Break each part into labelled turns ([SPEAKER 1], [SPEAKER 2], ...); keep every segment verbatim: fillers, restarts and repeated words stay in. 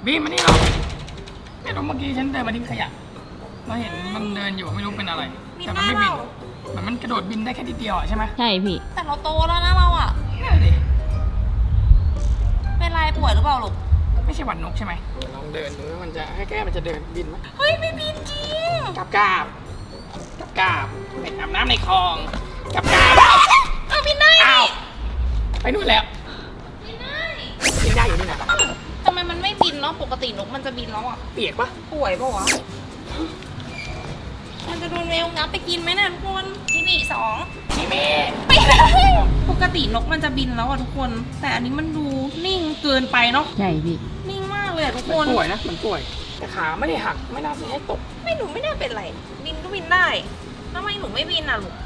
[SPEAKER 1] บีมมานี่เราไม่รู้เมื่อกี้ฉันเดินมาทิ้งขยะเราเห็นมันเดินอยู่ไม่รู้เป็นอะไรแต่มันไม่บินเหมือนมันกระโดดบินได้แค่ทีเดียวใช่ไหม
[SPEAKER 2] ใช่พี่
[SPEAKER 3] แต่เราโตแล้วนะเราอ่ะ
[SPEAKER 1] นั่นดิ
[SPEAKER 3] เป็นไรป่วยหรือเปล่าลูก
[SPEAKER 1] ไม่ใช่หวัดนกใช่ไหมลองเดินดูว่ามันจะให้แก้มันจะเดินบินไหม
[SPEAKER 3] เฮ้ยไม่บินจริง
[SPEAKER 1] กับกาบกับกาบไปอาบน้ำในคลองกับกาบ
[SPEAKER 3] เอาบินได้
[SPEAKER 1] อ้าวไปนู่นแล้ว
[SPEAKER 3] บินได้
[SPEAKER 1] บินได้อยู่นี่นะ
[SPEAKER 3] ทำไมมันไม่บินเนาะปกตินกมันจะบินแล้วอ่ะ
[SPEAKER 1] เปียกปะ
[SPEAKER 3] ป่วยปะวะมันจะโดนแมวงับไปกินไหมเนี่ยทุกคนจิบีสอง
[SPEAKER 1] จิบี
[SPEAKER 3] ไม่ได้ปกตินกมันจะบินแล้วอ่ะทุกคนแต่อันนี้มันดูนิ่งเกินไปเนาะ
[SPEAKER 2] ใช่พี่
[SPEAKER 3] นิ่งมากเลยทุกคน
[SPEAKER 1] ป่วยนะมันป่วยแต่ขาไม่ได้หักไม่น่าจะให้ตก
[SPEAKER 3] ไม่หนูไม่น่าเป็นไรบินก็บินได้ทำไมหนูไม่บินอ่ะลูก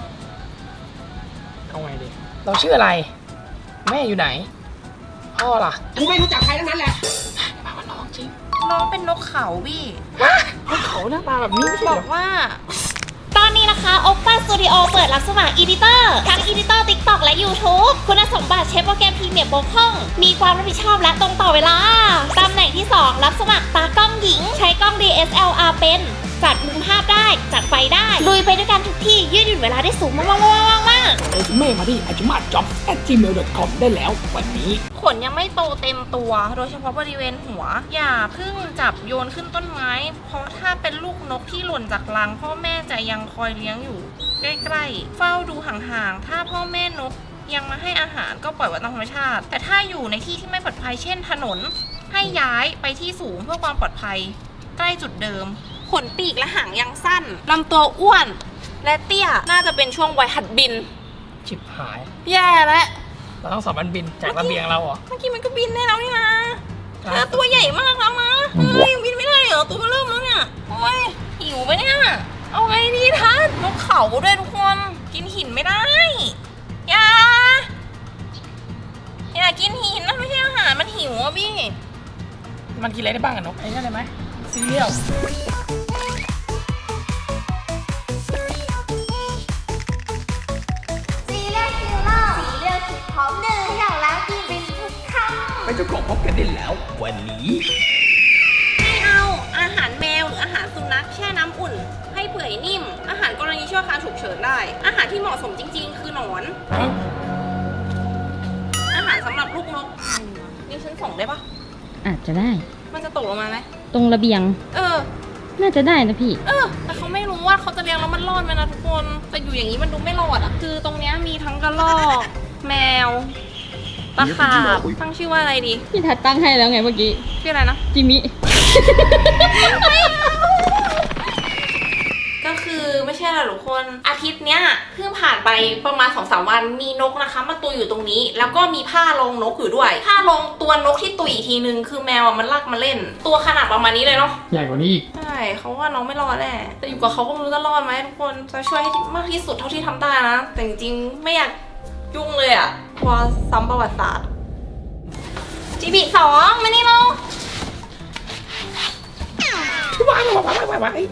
[SPEAKER 1] เอาไงดีเราชื่ออะไรแม่อยู่ไหนพ่อล่ะกูไม่รู้จักใครทั้งนั้นแหละมาว่าน้องจริง
[SPEAKER 3] น้องเป็นนกเขาบี้
[SPEAKER 1] ฮะนกเขาหน้าตาแบบนี้ไม่ใช่
[SPEAKER 3] บอกว่า
[SPEAKER 4] ตอนนี้นะคะ Oppa Studio เปิดรับสมัคร Editor ทั้ง Editor TikTok และ YouTube คุณสมบัติใช้โปรแกรมพรีเมียร์บกพร่องมีความรับผิดชอบและตรงต่อเวลาตำแหน่งที่ สอง รับสมัครตากล้องหญิงใช้กล้อง ดี เอส แอล อาร์ เป็นจัดมุมภาพได้จัดไฟได้ลุยไปด้วยกันทุกที่ยืดหยุ่นเวลาได้สูงมากๆๆๆ
[SPEAKER 1] เอเมมาที่ อาจุมาจ็อบ แอท จีเมล ดอท คอม ได้แล้ววันนี้
[SPEAKER 3] ขนยังไม่โตเต็มตัวโดยเฉพาะบริเวณหัวอย่าเพิ่งจับโยนขึ้นต้นไม้เพราะถ้าเป็นลูกนกที่หล่นจากรังพ่อแม่จะยังคอยเลี้ยงอยู่ใกล้ๆเฝ้าดูห่างๆถ้าพ่อแม่นกยังมาให้อาหารก็ปล่อยไว้ตามธรรมชาติแต่ถ้าอยู่ในที่ที่ไม่ปลอดภัยเช่นถนนให้ย้ายไปที่สูงเพื่อความปลอดภัยใกล้จุดเดิมขนปีกและหางยังสั้นลำตัวอ้วนและเตี้ยน่าจะเป็นช่วงวัยหัดบิน
[SPEAKER 1] ชิบหาย
[SPEAKER 3] แย่แล้ว
[SPEAKER 1] เราต้องสอบมันบินจากระเบียงเราเหรอ
[SPEAKER 3] เมื่อกี้มันก็บินได้แล้วนี่นะเธอตัวใหญ่มากแล้วนะเฮ้ยบินไม่ได้เหรอตัวมันเริ่มแล้วเนี่ยโอ้ยหิวไปเนี่ยเอาไงดีท่านนกเขาด้วยทุกคนกินหินไม่ได้อย่าอย่ากินหินนั่นไม่ใช่อาหารมันหิวอ่ะพี่
[SPEAKER 1] มันกินอะไรได้บ้างอะนกไอ้นั่นได้ไหมซีเรียลไม่จะกบพบกันได้แล้ววันนี้
[SPEAKER 3] ให้เอาอาหารแมวหรืออาหารสุนัขแช่น้ำอุ่นให้เปื่อยนิ่มอาหารกรณีชั่วคราวฉุกเฉินได้อาหารที่เหมาะสมจริงๆคือหนอนอาหารสำหรับลูกนกนี่ฉันส่งได้ปะ
[SPEAKER 2] อาจจะได้
[SPEAKER 3] มันจะตกลงมาไหม
[SPEAKER 2] ตรงระเบียง
[SPEAKER 3] เออ
[SPEAKER 2] น่าจะได้นะพี่
[SPEAKER 3] เออแต่เขาไม่รู้ว่าเขาจะเลี้ยงแล้วมันรอดไหมนะทุกคนแต่อยู่อย่างนี้มันดูไม่รอดอ่ะคือตรงเนี้ยมีทั้งกระรอกแมวปลาขาบตั้งชื่อว่าอะไรดี
[SPEAKER 2] พี่ทัดตั้งให้แล้วไงเมื่อกี้
[SPEAKER 3] ชื่ออะไรนะ
[SPEAKER 2] จิมิ
[SPEAKER 3] ก็คือไม่ใช่หรอกทุกคนอาทิตย์เนี้ยเพิ่งผ่านไปประมาณ สองถึงสาม วันมีนกนะคะมาตุยอยู่ตรงนี้แล้วก็มีผ้ารองนกอยู่ด้วยผ้ารองตัวนกที่ตุยอีกทีนึงคือแมวมันลากมาเล่นตัวขนาดประมาณนี้เลยเนาะ
[SPEAKER 1] ใหญ่กว่านี้อีก
[SPEAKER 3] ใช่เขาว่าน้องไม่รอดแน่แต่อยู่กับเขาก็ไม่รู้จะรอดไหมทุกคนจะช่วยให้มากที่สุดเท่าที่ทำได้นะแต่จริงๆไม่อยากยุ่งเลยอะกลัวซ้ำประวัติศาสตร์จีบีสองมานี่เรา
[SPEAKER 1] วายวายวายวายวาย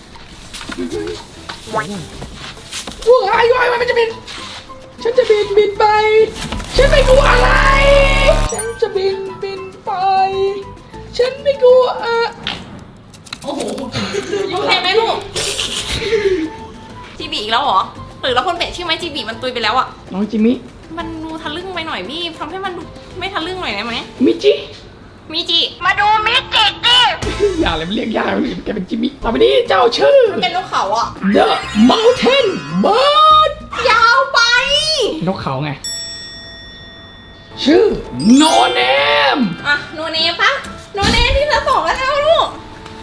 [SPEAKER 1] ว้ายว้ายว้ายมันจะบินฉันจะบินบินไปฉันไม่กลัวอะไรฉันจะบินบินไปฉันไม่กลัวโอ้โห
[SPEAKER 3] โอเคไหมลูกจีบีอีกแล้วเหรอหรือเราคนเปลี่ยนชื่อไหมจีบีมันตุยไปแล้วอะ
[SPEAKER 1] น้องจิมิ
[SPEAKER 3] มันดูทะลึ่งไปหน่อยพี่ทำให้มันดูไม่ทะลึ่งหน่อยได้ไหม
[SPEAKER 1] มิจิ
[SPEAKER 3] มิจิมาดูมิจิดิ
[SPEAKER 1] อย่าเลยมันเรียกยากเลยแกเป็นจิมิต่อไปนี้เจ้าชื่อ
[SPEAKER 3] มันเป็นนกเขาอ่ะ
[SPEAKER 1] The Mountain Bird
[SPEAKER 3] ยาวไป
[SPEAKER 1] นกเขาไงชื่อ No Name
[SPEAKER 3] อ่ะ No Name ปะ No Name ที่จะส่งแล้วลูก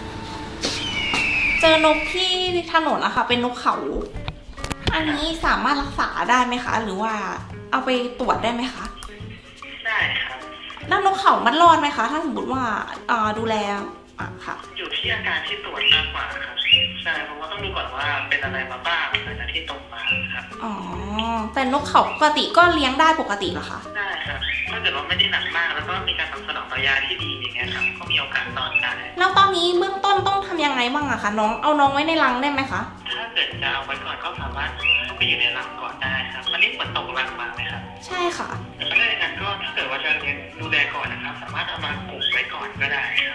[SPEAKER 3] เจอนกที่ถนนอะค่ะเป็นนกเขาอันนี้สามารถรักษาได้ไหมคะหรือว่าเอาไปตรวจได้ไหมคะ
[SPEAKER 5] ได้ครับ
[SPEAKER 3] แล้วนกเขามันรอดไหมคะถ้าสมมติว่าดูแลอ่ะค่ะ
[SPEAKER 5] อยู่ที่อาการที่ตรวจมากกว่าครับใช่เพราะว่าต้องดูก่อนว่าเป็นอะไรมาบ้างหลังจากที่ตกมาครับ
[SPEAKER 3] อ๋อแต่นกเขาปกติก็เลี้ยงได้ปกติเหรอคะ
[SPEAKER 5] ได้ครับถ้าเกิดว่าไม่ได้หนักมากแล้วก็มีการตอบสนองต่อยาที่ดีอย่างเงี้ยครับก็มีโอกาสรอดได้
[SPEAKER 3] แล้วตอนนี้เบื้องต้นต้องทำยังไงบ้างอะคะน้องเอาน้องไว้ในรังได้ไหมคะ
[SPEAKER 5] ถ้าเกิดจะเอาไว้ก่อนก็สามารถไปอยู่ในรังก่อนได้ครับอันนี้เหมือนตกรังมาไหมครับ
[SPEAKER 3] ใช่ค่ะ
[SPEAKER 5] ถ้าได้งั้นก็ถ้าเกิดว่าจะเลี้ยงดูแลก่อนนะครับสามารถเอามากลุ่มไว้ก่อนก็ได้ครับ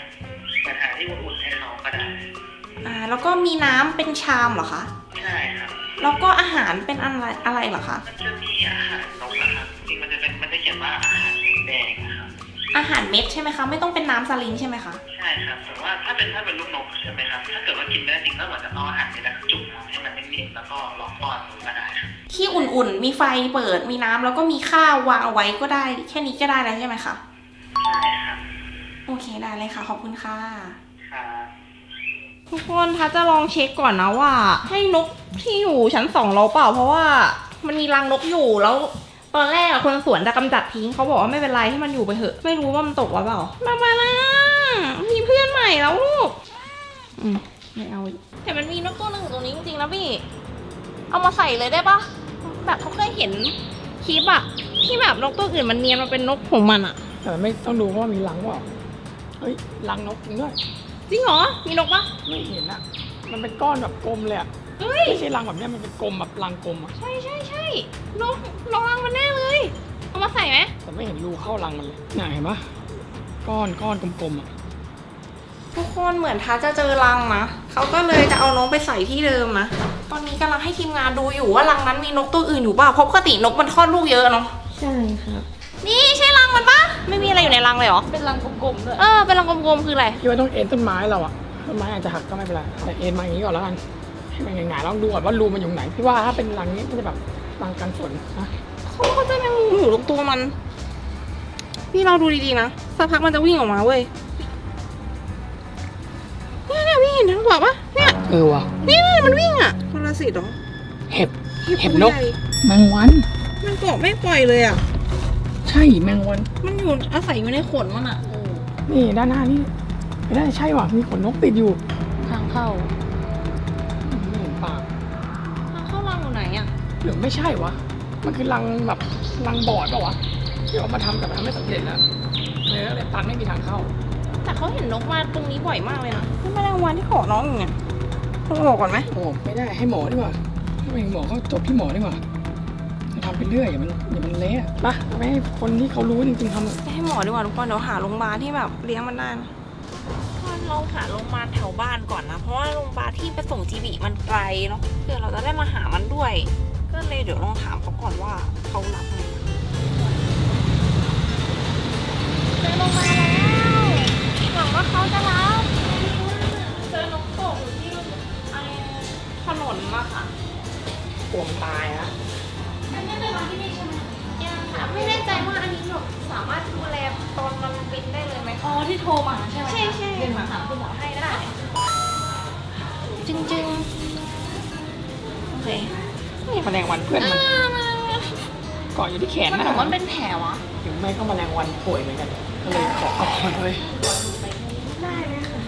[SPEAKER 3] แล้วก็มีน้ำเป็นชามเหรอคะ
[SPEAKER 5] ใช่ครับ
[SPEAKER 3] แล้วก็อาหารเป็นอะไรอะไรเหรอคะ
[SPEAKER 5] มันจะมีอาหารนกนะครับจริงมันจะเป็นมันจะเขียนว่าอาหารแดงนะครับ
[SPEAKER 3] อาหารเม็ดใช่ไหมคะ ไม่ต้องเป็นน้ำสลิงใช่ไหมคะ
[SPEAKER 5] ใช่ครับแต่ว่าถ้าเป็นถ้าเป็นลูกนกใช่ไหมครับถ้าเกิดว่ากินไม่ได้จริงก็เหมือนจะเอาอาหารไปดักจุ่มน้ำให้มันนิ่มๆแล้วก็ลองป้อนดูก็ได้ครับ
[SPEAKER 3] ที่อุ่นๆ มีไฟเปิดมีน้ำแล้วก็มีข้าววางเอาไว้ก็ได้ แค่นี้ก็ได้แล้วใช่ไหมคะ
[SPEAKER 5] ใช่ครับ
[SPEAKER 3] โอเคได้เลยค่ะขอบคุณค่ะ
[SPEAKER 5] ครับ
[SPEAKER 3] ทุกคนทัศจะลองเช็คก่อนนะว่า ให้นกที่อยู่ชั้นสองเราเปล่าเพราะว่ามันมีรังนกอยู่แล้ว ตอนแรกอะคนสวนจะกำจัดทิ้งเขาบอกว่าไม่เป็นไรให้มันอยู่ไปเถอะไม่รู้ว่ามันตกหรือเปล่ามามานะมีเพื่อนใหม่แล้วลูก
[SPEAKER 2] อืมไม่เอาอีก
[SPEAKER 3] แต่มันมีนกตัวหนึ่งอยู่ตรงนี้จริงๆนะพี่เอามาใส่เลยได้ปะแบบเขาเคยเห็นคลิปอะที่แบบนกตัวอื่นมันเนียนมาเป็นนกของมันอะ
[SPEAKER 1] แต่ไม่ต้องดูว่ามีรังเปล่าเฮ้ยรังนกจริงด้วย
[SPEAKER 3] จริงเหรอมีนกปะ
[SPEAKER 1] ไม่เห็นอะมันเป็นก้อนแบบกลมเลยอะ
[SPEAKER 3] เฮ้ย
[SPEAKER 1] ไม่ใช่รังแบบเนี้ยมันเป็นกลมแบบรังกลมอะ
[SPEAKER 3] ใช่ใช่ใช่นกนกรังมันแน่เลยเอามาใส่ไหม
[SPEAKER 1] แต่ไม่เห็นรูเข้ารังมันเลยน่ะเห็นปะก้อนก้อนกลมๆอะ
[SPEAKER 3] ทุกคนเหมือนทัศจะเจอรังนะเขาก็เลยจะเอานกไปใส่ที่เดิมนะตอนนี้กำลังให้ทีมงานดูอยู่ว่ารังนั้นมีนกตัวอื่นอยู่เปล่าเพราะปกตินกมันคลอดลูกเยอะเนาะ
[SPEAKER 2] ใช่ครับ
[SPEAKER 3] นี่ใช่รังมันปะไม่มีอะไรอยู่ในรังเลยเหรอ
[SPEAKER 2] เป็นรังกลมๆด้วย
[SPEAKER 3] เออเป็นรังกลมๆคืออะไร
[SPEAKER 1] คิดว่าต้องเอ็นต้นไม้เราอะต้นไม้อาจจะหักก็ไม่เป็นไรแต่เอ็นมาอย่างนี้ก่อนแล้วกันให้มันหงายๆลองดูก่อนว่ารูมันอยู่ไหนพี่ว่าถ้าเป็นรังนี้มันจะแบบรังกันฝนนะ
[SPEAKER 3] เขาเขาจะแมงมุมอยู่ตรงตัวมันพี่เราดูดีๆนะสักพักมันจะวิ่งออกมาเว้ยเนี่ยเนี่ยพี่เห็นทั้งหัวปะเนี่ย
[SPEAKER 1] เออว่ะ
[SPEAKER 3] เนี่ยมันวิ่งอ่ะพลสิตเหรอ
[SPEAKER 1] เห็บ เห็บ
[SPEAKER 3] ตัวน
[SPEAKER 1] ก
[SPEAKER 3] ใหญ่
[SPEAKER 1] แมงวัน
[SPEAKER 3] มันเกาะไม่ปล่อยเลยอ่ะ
[SPEAKER 1] ใช่แมงวัน
[SPEAKER 3] มันอยู่อาศัยอยู่ในขนมันอ่ะ
[SPEAKER 1] นี่ด้านหน้านี่ไม่ได้ใช่ว่ะมีขนนกติดอยู่
[SPEAKER 2] ทางเข้า
[SPEAKER 1] ไม่เห็นปาก
[SPEAKER 3] ทางเข้ารังอยู่ไหนอ่ะ
[SPEAKER 1] หรือไม่ใช่วะมันคือรังแบบรังบอดเปล่าวะที่เอามาทำแต่มันทำไม่สำเร็จแล้วเลยก็เลยตันไม่มีทางเข้า
[SPEAKER 3] แต่เขาเห็นนกมาตรงนี้บ่อยมากเลยนะนี่แมลงวันที่เกาะน้องอยู่เนี่ยต้องบอกก่อนไหม
[SPEAKER 1] โอ้ไม่ได้ให้หมอดีกว่าให้หมอเขาจบที่หมอดีกว่าจะทำไปเรื่อยอย่ามันอย่ามันเละปะไม่ให้คนที่เขารู้จริงๆทำ
[SPEAKER 3] ให้หมอดีกว่าทุกคนเดี๋ยวหาโรงพยาบาลที่แบบเลี้ยงมันได้นะเราหาโรงพยาบาลแถวบ้านก่อนนะเพราะว่าโรงพยาบาลที่ไปส่งจีบีมันไกลเนาะเพื่อเราจะได้มาหามันด้วย ก็เลยเดี๋ยวลองถามเขาก่อนว่าเขารับไหมเจอโรงพยาบาลแล้วหวังว่าเขาจะรับเจอนกตกอยู่ที่ไอ้ถนนมาค่ะ
[SPEAKER 1] กลัวมันตายนะ
[SPEAKER 3] อันนี้เป็นร้านที่นี่ใช่ไหมยังค่ะไม่แน่ใจว่าอันนี้แบบสามารถดูแลตอนมันบินได้เลยไหมอ๋อที่โทรมาใช่ไหมใช่ใช่เดี๋ยวถามคุณหมอให้ก็ได้จริงจริงโอเค
[SPEAKER 1] นี่แมลงวันเพื่อนมันเกาะอยู่ที่แขน
[SPEAKER 3] มัน
[SPEAKER 1] นะ
[SPEAKER 3] บอกว่ามันเป็นแผลวะ
[SPEAKER 1] ถึงไม่ก็แมลงวันป่วยเหมือนกันก็เลยขอเอาก่อนเลย
[SPEAKER 3] ได้เลยค่ะ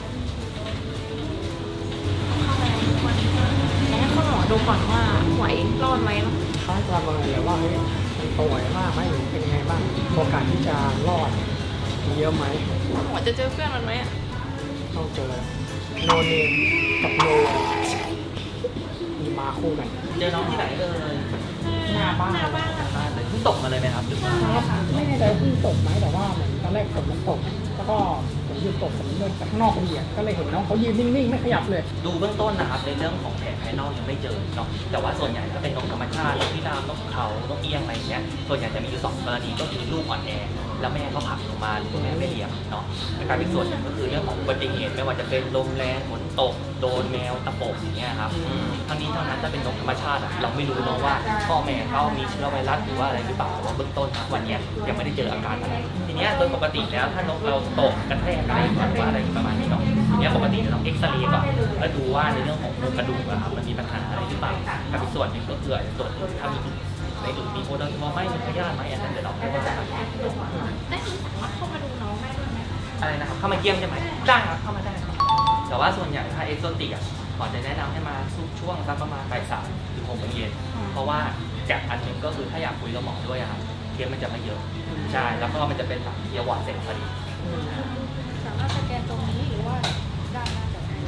[SPEAKER 3] ให้คุณหมอดูก่อนว่าไหวรอดไหมเนาะ
[SPEAKER 1] เขาจะประเมินเลยว่าเฮ้ยมันป่วยมากไหมหรือเป็นยังไงบ้างโอกาสที่จะรอดมีเยอะไหม
[SPEAKER 3] หมอจะเจอเพื่อนมันไหมอะ
[SPEAKER 1] ต้องเจอโนเนมกับโนมีมาคู่กัน
[SPEAKER 6] เจอน้องที่ไหนเอ่ย
[SPEAKER 1] หน้าบ้าน
[SPEAKER 3] หน้าบ้าน
[SPEAKER 6] บ้านเลยเพิ่งตกมาเลยไหมครับหรือว่า
[SPEAKER 1] ไม่แน่ใจว่าเพิ่งตกไหมแต่ว่าเหมือนตอนแรกฝนมันตก แล้วก็ฝนหยุดตกฝนเดินไปข้างนอกพอดีอะก็เลยเห็นน้องเขายืนนิ่งๆไม่ขยับเลย
[SPEAKER 6] ดูเบื้องต้นนะครับในเรื่องของแผลภายนอกยังไม่เจอเนาะแต่ว่าส่วนใหญ่ถ้าเป็นนกธรรมชาตินกพิราบนกเขานกเอี้ยงอะไรอย่างเงี้ยส่วนใหญ่จะมีอยู่สองกรณีก็คือลูกอ่อนแอแล้วแม่เขาผลักลงมาหรือแม่ไม่เลี้ยงเนาะและการเป็นส่วนหนึ่งก็คือเรื่องของอุบัติเหตุไม่ว่าจะเป็นลมแรงฝนตกโดนแมวตะปบอย่างเงี้ยครับอืมทั้งนี้ทั้งนั้นถ้าเป็นนกธรรมชาติอะเราไม่รู้เนาะว่าพ่อแม่เขามีเชื้อไวรัสหรือว่าอะไรหรือเปล่าแต่ว่าเบื้องต้นนะวันเนี้ยยังไม่ได้เจออาการอะไรทีเนี้ยโดยปกติแล้วถ้านกเราตกกระแทกอะไรหรือว่าอะไรประมาณนี้เนาะทีเนี้ยปกติจะต้องเอ็กซเรย์ก่อนแล้วดูว่าในเรื่องของโครงกระดูกอะครับมันมีปัญหาอะไรหรือเปล่ากับอีกส่วนหนึ่งก็คืออาจจะตรวจถ้ามีในอื่นมีโอเดอร์ว่าไม่มีพยาธิไหมอันนั้นเดี๋ยวเราไม่ว่ากัน
[SPEAKER 3] ได้ที่สามารถเข้ามาดูน้องได้ด้วยไหม
[SPEAKER 6] อะไรนะครับเข้ามาเยี่ยมใช่ไหมได้ครับเข้ามาได้ครับแต่ว่าส่วนใหญ่ถ้าเอ็กโซติกอ่ะหมอจะแนะนำให้มาช่วงสักประมาณบ่ายสามถึงหกโมงเย็นเพราะว่าจากอันหนึ่งก็คือถ้าอยากคุยกับหมอด้วยอะครับเคสมันจะไม่เยอะใช่แล้วก็มันจะเป็นแบบเยียวหวานเสร็จพอดี
[SPEAKER 3] สามารถสแกนตรงนี้หรือว่าได้น่าจะได้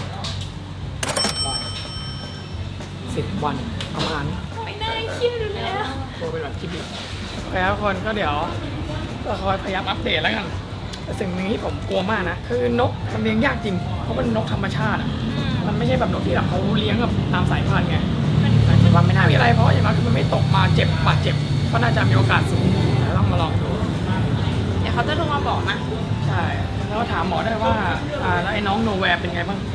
[SPEAKER 1] สิบวันประมาณ
[SPEAKER 3] ไม่ได้คิดดูแล้ว
[SPEAKER 1] ตัวเป็นแบบคิดดีโอเคทุกคนก็เดี๋ยวเราคอยพยายามอัปเดตแล้วกันแต่สิ่งหนึ่งที่ผมกลัวมากนะคือนกมันเลี้ยงยากจริงเพราะมันนกธรรมชาติอะ
[SPEAKER 3] อืม
[SPEAKER 1] มันไม่ใช่แบบนกที่แบบเขาเลี้ยงแบบตามสายพันธุ์ไงแต่คิดว่าไม่น่ามีอะไรเพราะอย่างน้อยคือมันไม่ตกมาเจ็บบาดเจ็บก็น่าจะมีโอกาสสูงแต่ต้องมาลองดู
[SPEAKER 3] เดี๋ยวเขาจะลงมาบอกนะ
[SPEAKER 1] ใช่แล้วก็ถามหมอได้ว่าอ่าแล้วไอ้น้องโนแวร์เป็นไงบ้าง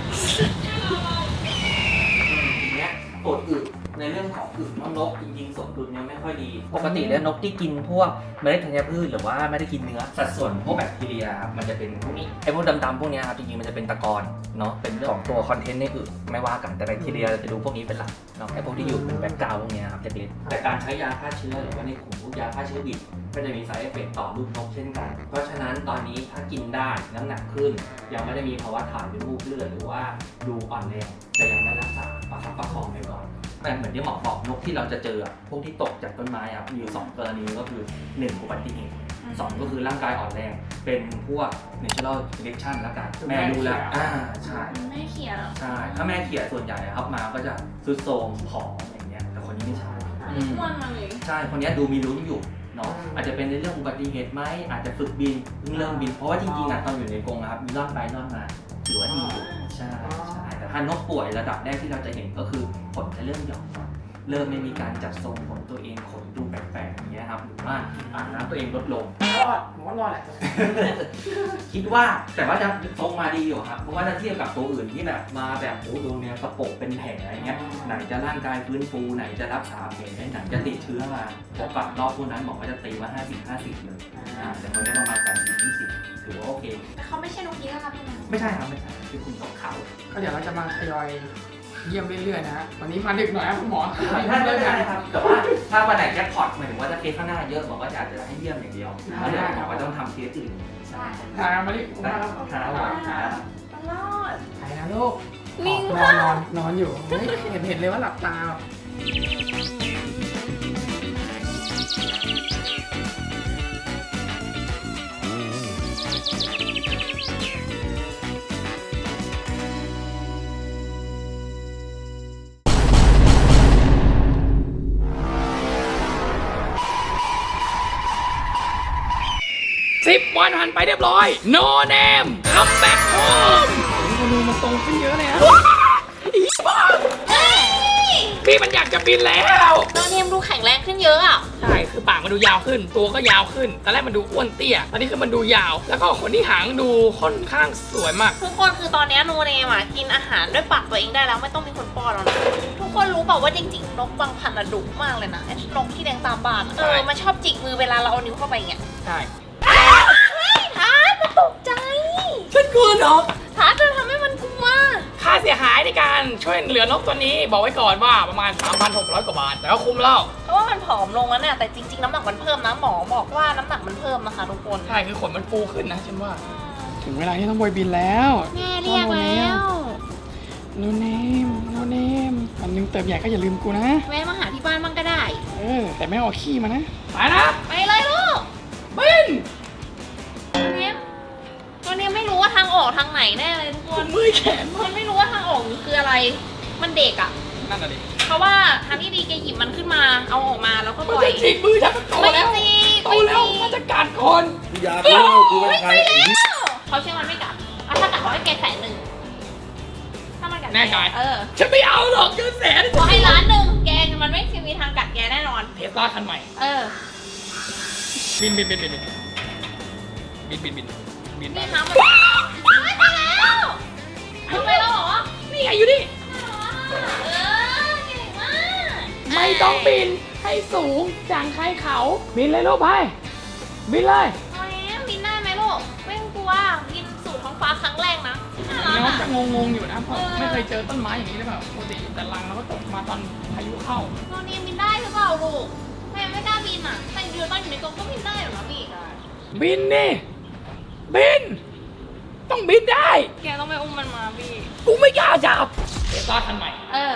[SPEAKER 6] ทีเนี้ยปวดอึในเรื่องของอึน้องนกจริงๆสมดุลยังไม่ค่อยดี ปกติแล้วนกที่กินพวกเมล็ดธัญพืชหรือว่าไม่ได้กินเนื้อสัดส่วนพวกแบคทีเรียครับมันจะเป็นพวกนี้ไอ้พวกดำๆพวกเนี้ยครับจริงๆมันจะเป็นตะกอนเนาะเป็นเรื่องของตัวคอนเทนต์ในอึไม่ว่ากันแต่แบคทีเรียเราจะดูพวกนี้เป็นหลักเนาะไอ้พวกที่อยู่เป็นแบ็กกราวด์พวกเนี้ยครับจะเล็กแต่การใช้ยาฆ่าเชื้อหรือว่าในกลุ่มพวกยาฆ่าเชื้อบิดก็จะมีไซด์เอฟเฟกต์ต่อลูกนกเช่นกัน เพราะฉะนั้นตอนนี้ถ้ากินได้น้ำหนักขึ้นยังไม่ได้มีภาวะถ่ายเป็นมูกเลือดหรือว่าดูอ่อนแรงแต่ยังไม่รักษาประคับประคองไปก่อนแต่เหมือนที่หมอบอกนกที่เราจะเจอพวกที่ตกจากต้นไม้ครับมีอยู่สองกรณีก็คือหนึ่งอุบัติเหตุสองก็คือร่างกายอ่อนแรงเป็นพวก natural selection แล้วกันแม่ดูแลอ่าใช่
[SPEAKER 3] แม่เขียน
[SPEAKER 6] ใช่ถ้าแม่เขียส่วนใหญ่ครับมาก็จะซุดโทรมผอมอย่างเงี้ยแต่คนนี้ไม่ใช่
[SPEAKER 3] อ้วนมาเลย
[SPEAKER 6] ใช่คนนี้ดูมีลุ้นอยู่เนาะอาจจะเป็นในเรื่องอุบัติเหตุไหมอาจจะฝึกบินเพิ่งเริ่มบินเพราะว่าจริงๆอ่ะตอนอยู่ในกรงนะครับมีล่อนไปล่อนมาถือว่าดีอยู่ใช่ใช่แต่ถ้านกป่วยระดับแรกที่เราจะเห็นก็คือขนจะเริ่มหย่อนเริ่มไม่มีการจัดทรงขนตัวเองขนดูแปลกๆอย่างเงี้ยครับหรือว่าอ่างน้ำตัวเองลดลง
[SPEAKER 1] รอดผมว่ารอดแหละ
[SPEAKER 6] คิดว่าแต่ว่าจะทรงมาดีอยู่ครับเพราะว่าถ้าเทียบกับตัวอื่นที่แบบมาแบบโอ้ดูเนี่ยกระโปงเป็นแผลอะไรเงี้ยไหนจะร่างกายฟื้นฟูไหนจะรักษาแผลไหนจะติดเชื้อมาพอปัดรอบพวกนั้นหมอก็จะตีว่าห้าสิบ ห้าสิบเลยอ่าแต่คนได้ประมาณแปดสิบ ยี่สิบถือว่าโอเค
[SPEAKER 3] แต่เขาไม่ใช่นกยีราฟใช่ไหม
[SPEAKER 6] ไม่ใช่ครับไม่ใช่คือคุณตกเขา
[SPEAKER 1] ก็เดี๋ยวเราจะมาทยอยเยี่ยมเรื่อยๆนะฮะวันนี้มาดึกหน่อยครับคุณหมอ
[SPEAKER 6] ได้ได้ได้ครับแต่ว่าถ้าวันไหนแจ็คพอตหมายถึงว่าถ้าเคสข้างหน้าเยอะหมอก็จะอาจจะให้เยี่ยมอย่างเดียวแล้วเดี๋ยวหมอก็ต้องทำเคสอื่นใช่
[SPEAKER 1] ทางมาดิผม
[SPEAKER 6] ได้
[SPEAKER 1] มา
[SPEAKER 6] ค
[SPEAKER 1] แล้
[SPEAKER 6] รั
[SPEAKER 1] ว
[SPEAKER 6] บครับ
[SPEAKER 3] ตลอด
[SPEAKER 1] ไปนะลูก
[SPEAKER 3] ลิง
[SPEAKER 1] นอ
[SPEAKER 3] ค่ะ
[SPEAKER 1] นนอนนอนอยู่เฮ้ยเห็นเห็นเลยว่าหลับตา สิบวันผ่านไปเรียบร้อย no name come back home โอ้โหมันตรงขึ้นเยอะเลยฮะอีบ้าพี่มันอยากจะบินแล้ว
[SPEAKER 3] โนเนมดูแข็งแรงขึ้นเยอะอ่ะ
[SPEAKER 1] ใช่ คือปากมันดูยาวขึ้น ตัวก็ยาวขึ้น ตอนแรกมันดูอ้วนเตี้ย ตอนนี้คือมันดูยาว แล้วก็ขนที่หางดูค่อนข้างสวยมาก
[SPEAKER 3] ทุกคนคือตอนนี้โนเนมอ่ะกินอาหารด้วยปากตัวเองได้แล้วไม่ต้องมีคนป้อนแล้วนะทุกคนรู้เปล่าว่าจริงๆนกบางพันธุ์อะดุมากเลยนะไอ้นกที่แดงตามบ้านอะ
[SPEAKER 1] ใช่
[SPEAKER 3] เออมันชอบจิกมือเวลาเราเอานิ้วเข้าไปอย่างเงี้ย
[SPEAKER 1] ใช่
[SPEAKER 3] ทาร์ตมันตกใจ
[SPEAKER 1] ฉันกลัวนก
[SPEAKER 3] ทาร์ตจะทำให้มันกลัว
[SPEAKER 1] ค่าเสียหายในการช่วยเหลือนกตัวนี้ บอกไว้ก่อนว่าประมาณ สามพันหกร้อย กว่าบาท แต่ก็คุ้มแล้ว
[SPEAKER 3] เพราะว่ามันผอมลงแล้วเนี่ยแต่จริงๆน้ำหนักมันเพิ่มนะหมอบอกว่าน้ำหนักมันเพิ่มนะคะทุกคน
[SPEAKER 1] ใช่ คือขนมันฟูขึ้นนะฉันว่า ถึงเวลาที่ต้องบอยบินแล้ว
[SPEAKER 3] แม่เรียกแล้ว
[SPEAKER 1] โนเนมโนเนมวันหนึงเติบใหญ่ก็อย่าลืมกูนะ
[SPEAKER 3] แวะมาหาที่บ้านบ้างก็ได้
[SPEAKER 1] เออ แต่ไม่เอาขี้มานะ ไปนะ
[SPEAKER 3] ไปเลยลูก
[SPEAKER 1] บิน
[SPEAKER 3] ตัวเนี้ยตัวเนี้ยไม่รู้ว่าทางออกทางไหนแน่เลยทุกคน
[SPEAKER 1] มือแขน
[SPEAKER 3] มันไม่รู้ว่าทางออกคืออะไร มันเด็กอ่ะ
[SPEAKER 1] นั่นน่ะดิ
[SPEAKER 3] เพราะว่าทางที่ดีแกหยิบมันขึ้นมาเอาออกมาแล้วก็ป
[SPEAKER 1] มัน
[SPEAKER 3] ล่อย
[SPEAKER 1] จะจิกมือฉันมันโต
[SPEAKER 3] ไม่
[SPEAKER 1] แล้ว
[SPEAKER 3] จริง
[SPEAKER 1] โต
[SPEAKER 3] ไม่จ
[SPEAKER 1] แล้ว
[SPEAKER 3] ริง
[SPEAKER 1] มันจะกัดคน
[SPEAKER 7] อยากรู้ว่ากูเป็นใครไอ้เหี้ย
[SPEAKER 3] เขาเชื่อมันไม่กัดอ่ะถ้ากัดเขาให้แกแสนหนึ่งถ้ามันกัด
[SPEAKER 1] แน่ใจ
[SPEAKER 3] เออ
[SPEAKER 1] ฉันไม่เอาหรอกเงินแสน
[SPEAKER 3] ขอให้ล้านหนึ่งแกมันไม่มีทางกัดแกแน่นอน
[SPEAKER 1] เทสลาคันใหม่
[SPEAKER 3] เออ
[SPEAKER 1] บินบินบินบินบินบินบินบินบิน
[SPEAKER 3] นี่คะมันไม่ไปแล้วทำไมแล้วเหรอ
[SPEAKER 1] นี่ไงอยู่นี่
[SPEAKER 3] เออเก่งมาก
[SPEAKER 1] ไม่ต้องบินให้สูงจางใครเขา บินเลยลูกไปบินเลย
[SPEAKER 3] เอาแล้วบินได้ไหมลูกไม่ต้องกลัวบินสู่ท้องฟ้าครั้งแรกนะน่ารัก
[SPEAKER 1] น้อง
[SPEAKER 3] อ่ะ
[SPEAKER 1] จะงงๆอยู่นะเพราะไม่เคยเจอต้นไม้อย่างนี้เลยแบบปกติแต่รังเราก็ตกมาตอนพายุเข้า
[SPEAKER 3] ตอนนี้บินได้หรือเปล่าลูกแม่ไม่กล้าบินอ่ะแต่อยู่ตอนอยู่ในกรงก็บินได้เหรอนะพี่
[SPEAKER 1] บินนี่บิน ต้องบินได้
[SPEAKER 3] แกต้องไปอุ้มมันมาพี่
[SPEAKER 1] กูไม่กล้าจับเทสลาคันใหม่
[SPEAKER 3] เออ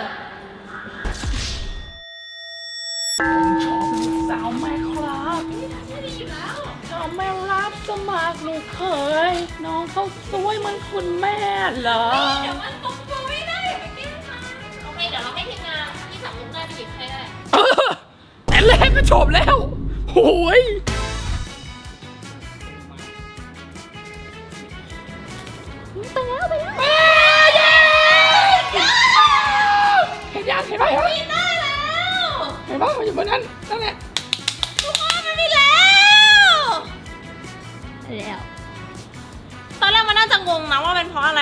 [SPEAKER 1] ชอบลูกสาวแม่ครับชอบแม่รับสมัครลูกเขยน้องเขาสวยเหมือนคุณแม่เหรอ
[SPEAKER 3] เดี๋ยวมันตกตัวไม่ได้ไปแก้ทางโอเคเดี๋ยวเราให้ทีมงานที่สั่งลูกได้ไปหยิบให้ได้
[SPEAKER 1] เออแต่แรกก็จบแล้วโอ้ยไปแล้วไปแล้วเย้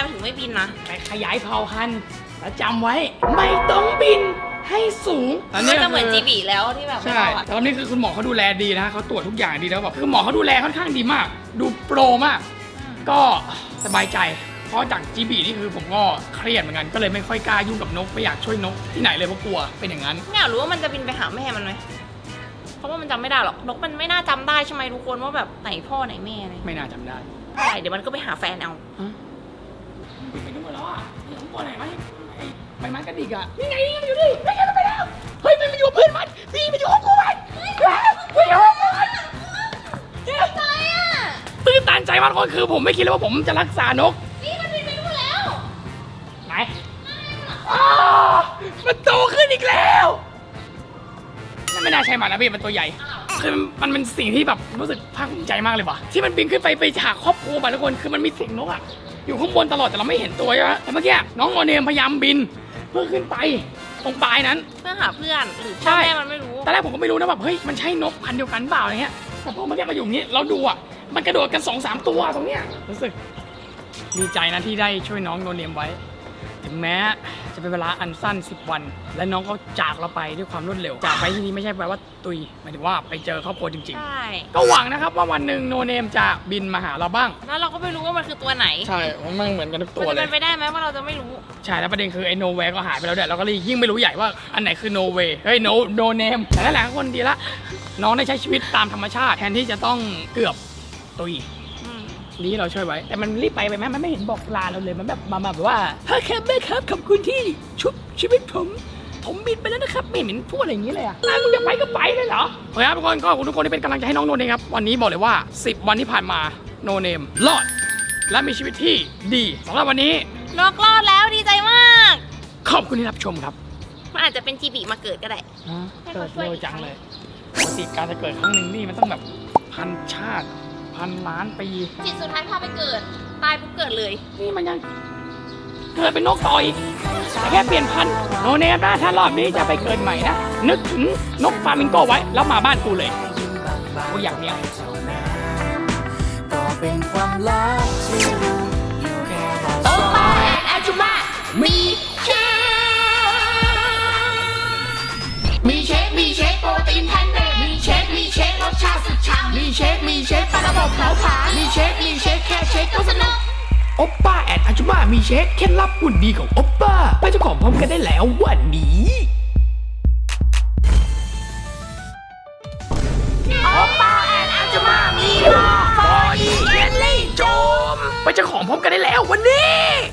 [SPEAKER 3] มันถึงไม่บินนะ
[SPEAKER 1] แต่ขยายเผ่าพันธุ์แล้วจำไว้ ไม่ต้องบินให้สูง
[SPEAKER 3] มันจะเหมือนจีบีแล้วที่แบบไม่
[SPEAKER 1] ใช่
[SPEAKER 3] เอาอะ
[SPEAKER 1] ตอนนี้คือคุณหมอเขาดูแลดีนะเขาตรวจทุกอย่างดีแล้วแบบคือหมอเขาดูแลค่อนข้างดีมาก ดูโปรมาก ก็สบายใจ เพราะจากจีบีนี่คือผมก็เครียดเหมือนกันก็เลยไม่ค่อยกล้ายุ่งกับนกไม่อยากช่วยนกที่ไหนเลยเพราะกลัวเป็นอย่างนั้น
[SPEAKER 3] ไม่อยากรู้ว่ามันจะบินไปหาแม่มันไหมเพราะว่ามันจำไม่ได้หรอกนกมันไม่น่าจำได้ใช่ไหมทุกคนว่าแบบไหนพ่อไหนแม่อะไร
[SPEAKER 1] ไม่น่าจำได้
[SPEAKER 3] ใช่เดี๋ยวมันก็ไปหาแฟนเอา
[SPEAKER 1] ไปนู่นแล้วอ่ะนี่ของตัวไหนไหมไอ้ใบไม้กระดิกอ่ะนี่ไงนี่มันอยู่นี่ไม่ใช่มันไปแล้วเฮ้ยมันมาอยู่กับเพื่อนมันพี่มันอยู่ห้องกูมันไม่อยู่ห้องกูมันอะไรอ่ะตื่นตันใจมากคนคือผมไม่คิดเลยว่าผมจะรักษานกนี่มันบินไปนู่นแล้วไหนอ้าวมันโตขึ้นอีกแล้วนั่นไม่น่าใช่มันนะพี่มันตัวใหญ่คือมันเป็นสิ่งที่แบบรู้สึกภาคภูมิใจมากเลยว่ะที่มันบินขึ้นไปไปหาครอบครัวมาทุกคนคือมันมีเสียงนกอ่ะอยู่ข้างบนตลอดแต่เราไม่เห็นตัวใช่ไหมแต่เมื่อกี้น้องโมเนมพยายามบินเพื่อขึ้นไปตรงปลายนั้น
[SPEAKER 3] เพื่อหาเพื่อนหรือ
[SPEAKER 1] ใช่
[SPEAKER 3] พ่อแม่มันไม่รู้
[SPEAKER 1] ตอนแรกผมก็ไม่รู้นะแบบเฮ้ยมันใช่นกพันธุ์เดียวกันเปล่าอะไรเงี้ยแต่พอเมื่อกี้มาอยู่อย่างนี้เราดูอ่ะมันกระโดดกันสองสามตัวตรงเนี้ยรู้สึกดีใจนะที่ได้ช่วยน้องโนเนมไว้ถึงแม้จะเป็นเวลาอันสั้นสิบวัน และน้องก็จากเราไปด้วยความรวดเร็วจากไปที่นี้ไม่ใช่แปลว่าตุยหมายถึงว่าไปเจอครอบครัวจริง
[SPEAKER 3] ใช่
[SPEAKER 1] ๆก็หวังนะครับว่าวันหนึ่งโนเนมจะบินมาหาเราบ้าง
[SPEAKER 3] แล้วเราก็ไม่รู้ว่ามันคือตัวไหน
[SPEAKER 1] ใช่มันเหมือนกันทุกตัว
[SPEAKER 3] มัน
[SPEAKER 1] เล
[SPEAKER 3] จะ
[SPEAKER 1] ย
[SPEAKER 3] เป็นไปได้ไหมว่าเราจะไม่รู้
[SPEAKER 1] ใช่แล้วประเด็นคือไอ้โนเวก็หายไปแล้วเดี๋ยวเราก็เลยยิ่งไม่รู้ใหญ่ว่าอันไหนคือโนเวเฮ้ยโนโนเนมแต่นั่นแหละคนดีละน้องได้ใช้ชีวิตตามธรรมชาติแทนที่จะต้องเกือบตุย
[SPEAKER 3] อืม
[SPEAKER 1] ดีที่เราช่วยไว้ แต่มันรีบไปไปไหมมันไม่เห็นบอกลาเราเลยมันแบบมาแบบว่าพ่อครับแม่ครับขอบคุณที่ชุบชีวิตผมผมบินไปแล้วนะครับไม่เห็นพูดอะไรอย่างนี้เลยอ่ะอ่ะมึงจะไปก็ไปเลยเหรอเฮ้ยครับทุกคนก็ขอบคุณทุกคนที่เป็นกำลังใจให้น้องโนเนมครับวันนี้บอกเลยว่าสิบวันที่ผ่านมาโนเนมรอดและมีชีวิตที่ดีสำหรับวันนี้
[SPEAKER 3] นกรอดแล้วดีใจมาก
[SPEAKER 1] ขอบคุณที่รับชมครับ
[SPEAKER 3] มันอาจจะเป็นจีบีมาเกิดก็ได้
[SPEAKER 1] เกิดเร็วจังเลยปกติการจะเกิดครั้งหนึ่งนี่มันต้องแบบพันชาติพันล้านปี
[SPEAKER 3] จิตสุดท้ายพาไปเกิด ตายปุ๊บเกิดเลย
[SPEAKER 1] นี่มันยังเกิดเป็นนกต่ออีกแต่แค่เปลี่ยนพันธุ์โนเนมนะถ้ารอบนี้จะไปเกิดใหม่นะ นึกถึงนกฟลามิงโกไว้แล้วมาบ้านกูเลยกูอยากเนี้ย
[SPEAKER 8] ก็เป็นความลับที่รู้อยู่แค่เราสอง
[SPEAKER 1] อาจุมามีเชคมีเชคมีเชคโปรตีนแพนเนมีเชคมีเชครสชาติสุดฉ่ำมีเชคมีเชคปลาระบบเผาผลาญมีเชคมีเชคแค่เชคก็สนุกโอปป้าแอนอาจุมามีเชคเคล็ดลับหุ่นดีของโอปป้าไปเจ้าของพร้อมกันได้แล้ววันนี้โอปป้าแอนอาจุมามีบอดี้เยลลี่โจมไปเจ้าของพร้อมกันได้แล้ววันนี้